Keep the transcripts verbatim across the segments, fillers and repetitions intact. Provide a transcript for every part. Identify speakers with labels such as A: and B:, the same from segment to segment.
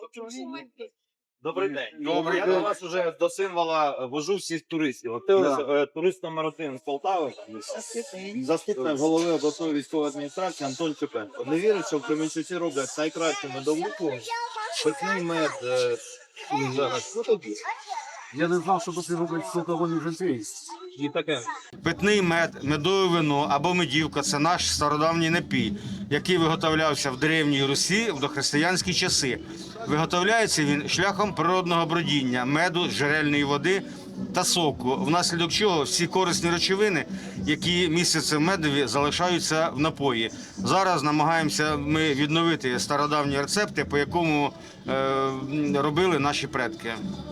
A: Добрий день.
B: Добрий
A: Я
B: день.
A: до вас вже до символа вожу всіх туристів. От ти
B: Да.
A: ось, е, турист номер один з Полтави, заступник голови обласної військової адміністрації Антон Чепенко. Не вірить, що в Кременчуці роблять найкращу медовуху, питний мед. е, і зараз. Ну, тобі.
B: Я не знав, що тут роблять сотової жінки.
A: І таке.
C: Питний мед, медове вино або медівка – це наш стародавній напій, який виготовлявся в Древній Русі в дохристиянські часи. Виготовляється він шляхом природного бродіння, меду, джерельної води та соку, внаслідок чого всі корисні речовини, які містяться в медові, залишаються в напої. Зараз намагаємося ми відновити стародавні рецепти, по якому е, робили наші предки.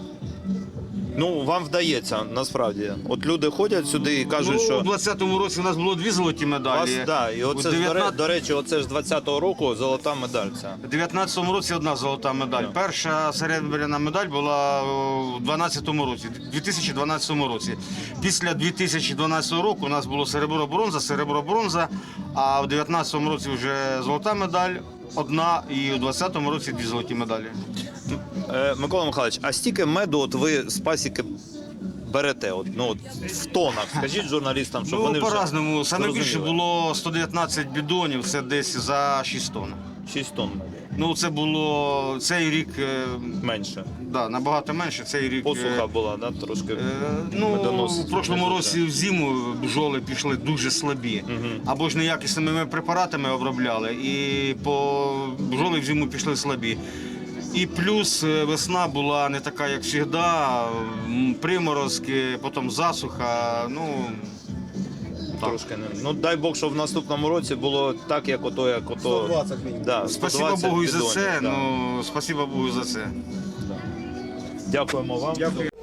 D: Ну, вам вдається, насправді. От люди ходять сюди і кажуть,
C: Ну,
D: що
C: у двадцятому році у нас було дві золоті медалі.
D: вас, да, і
C: У
D: оце, ж, до, ре-
C: дев'ятнадцятому
D: до речі, оце ж двадцятого року золота медаль ця.
C: У дев'ятнадцятому році одна золота медаль.
D: Да.
C: Перша серебряна медаль була у дванадцятому році, дві тисячі дванадцятому році. Після дві тисячі дванадцятого року у нас було серебро-бронза, серебро-бронза, а в дев'ятнадцятому році вже золота медаль одна, і у двадцятому році дві золоті медалі.
D: Е, Микола Михайлович, а стільки меду от ви з пасіки берете? От, ну, от, в тонах, скажіть журналістам, щоб
C: Ну,
D: вони вже
C: по-разному. Саме більше
D: зрозуміли.
C: було сто дев'ятнадцять бідонів, це десь за шість тонн.
D: шість тонн меду.
C: Ну, це було цей рік, е,
D: Менше.
C: да, набагато менше. Цей рік. е,
D: Посуха була, да, трошки
C: Е, Ну,
D: медонос.
C: у прошлому році в зиму бджоли пішли дуже слабі.
D: Мгм.
C: Або ж неякісними препаратами обробляли, і по бджоли в зиму пішли слабі. І плюс е, весна була не така, як завжди, м, приморозки, потім засуха. Ну, так.
D: Трошки не. Ну, дай Бог, щоб в наступному році було так, як ото, як ото.
B: сто двадцять мінімум.
D: Да,
C: Спасибо
D: сто двадцять
C: Богу і за
D: бідонів,
C: це.
D: да.
C: Ну, спасибо Богу за це.
D: Дякуємо вам.
B: Дякую.